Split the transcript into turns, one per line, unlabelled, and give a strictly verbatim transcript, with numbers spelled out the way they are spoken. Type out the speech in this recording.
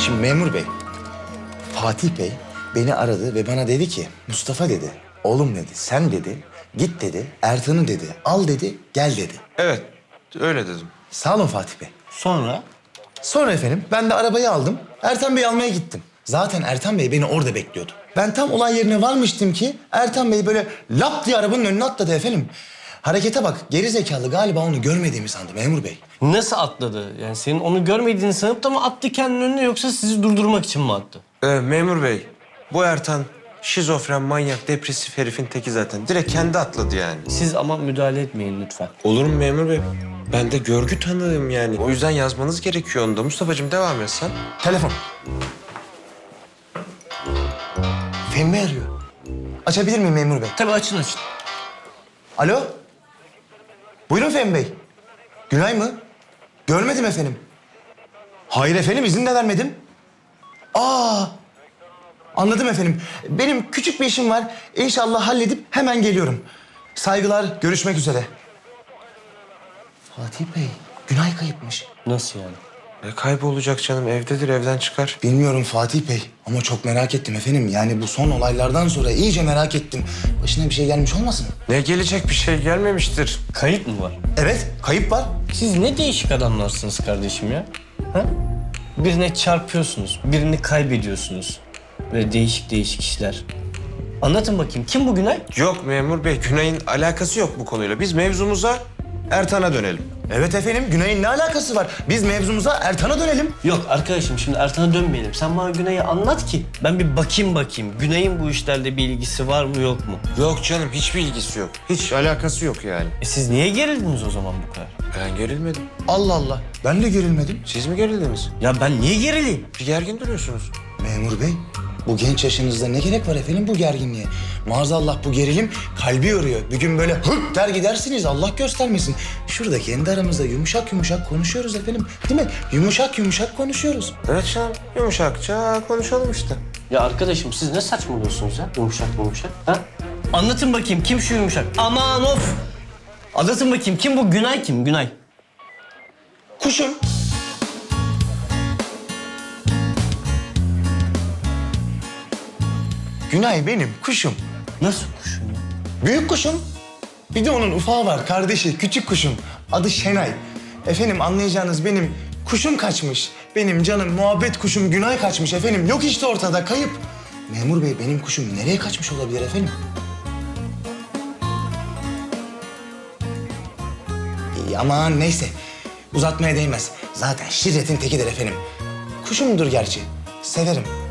Şimdi memur bey, Fatih Bey beni aradı ve bana dedi ki Mustafa dedi, oğlum dedi, sen dedi, git dedi, Ertan'ı dedi, al dedi, gel dedi.
Evet, öyle dedim.
Sağ olun Fatih Bey.
Sonra?
Sonra efendim ben de arabayı aldım, Ertan Bey'i almaya gittim. Zaten Ertan Bey beni orada bekliyordu. Ben tam olay yerine varmıştım ki Ertan Bey böyle lap diye arabanın önüne atladı efendim. Harekete bak, geri zekalı galiba onu görmediğimi sandı memur bey.
Nasıl atladı? Yani senin onu görmediğini sanıp da mı attı kendinin önüne yoksa sizi durdurmak için mi attı?
Ee, memur bey, bu Ertan şizofren, manyak, depresif herifin teki zaten. Direkt kendi atladı yani.
Siz ama müdahale etmeyin lütfen.
Olur mu memur bey? Ben de görgü tanığım yani. O yüzden yazmanız gerekiyor onu da. Mustafa'cığım devam et sen.
Telefon. Fehmi Bey arıyor. Açabilir miyim memur bey?
Tabii açın açın.
Alo? Buyurun Fehmi Bey. Günay mı? Görmedim efendim. Hayır efendim, izin de vermedim. Aa! Anladım efendim. Benim küçük bir işim var. İnşallah halledip hemen geliyorum. Saygılar, görüşmek üzere. Fatih Bey, Günay kayıpmış.
Nasıl yani?
E kaybolacak canım, evdedir, evden çıkar.
Bilmiyorum Fatih Bey ama çok merak ettim efendim. Yani bu son olaylardan sonra iyice merak ettim. Başına bir şey gelmiş olmasın?
Ne gelecek, bir şey gelmemiştir.
Kayıp mı var?
Evet, kayıp var.
Siz ne değişik adamlarsınız kardeşim ya. Ha? Birine çarpıyorsunuz, birini kaybediyorsunuz. Böyle değişik değişik işler. Anlatın bakayım, kim bu Günay?
Yok memur bey, Günay'ın alakası yok bu konuyla. Biz mevzumuza Ertan'a dönelim.
Evet efendim, Günay'ın ne alakası var? Biz mevzumuza Ertan'a dönelim.
Yok arkadaşım, şimdi Ertan'a dönmeyelim. Sen bana Günay'ı anlat ki ben bir bakayım bakayım. Günay'ın bu işlerle bir ilgisi var mı yok mu?
Yok canım, hiçbir ilgisi yok. Hiç alakası yok yani.
E siz niye gerildiniz o zaman bu kadar?
Ben gerilmedim.
Allah Allah, ben de gerilmedim.
Siz mi gerildiniz?
Ya ben niye gerileyim?
Bir gergin duruyorsunuz.
Memur bey, bu genç yaşınızda ne gerek var efendim bu gerginliğe? Maazallah bu gerilim kalbi yoruyor. Bir gün böyle hırt der gidersiniz, Allah göstermesin. Şurada kendi aramızda yumuşak yumuşak konuşuyoruz efendim. Değil mi? Yumuşak yumuşak konuşuyoruz.
Evet canım, yumuşakça konuşalım işte.
Ya arkadaşım siz ne saçmalıyorsunuz ya? Yumuşak yumuşak. Ha? Anlatın bakayım kim şu yumuşak? Aman of! Anlatın bakayım kim bu Günay kim? Günay.
Kuşum. Günay benim kuşum.
Nasıl kuşun ya?
Büyük kuşum. Bir de onun ufağı var, kardeşi, küçük kuşum. Adı Şenay. Efendim anlayacağınız benim kuşum kaçmış. Benim canım muhabbet kuşum Günay kaçmış efendim. Yok işte ortada, kayıp. Memur bey benim kuşum nereye kaçmış olabilir efendim? İyi, aman neyse. Uzatmaya değmez. Zaten şirretin tekidir efendim. Kuşumdur gerçi. Severim.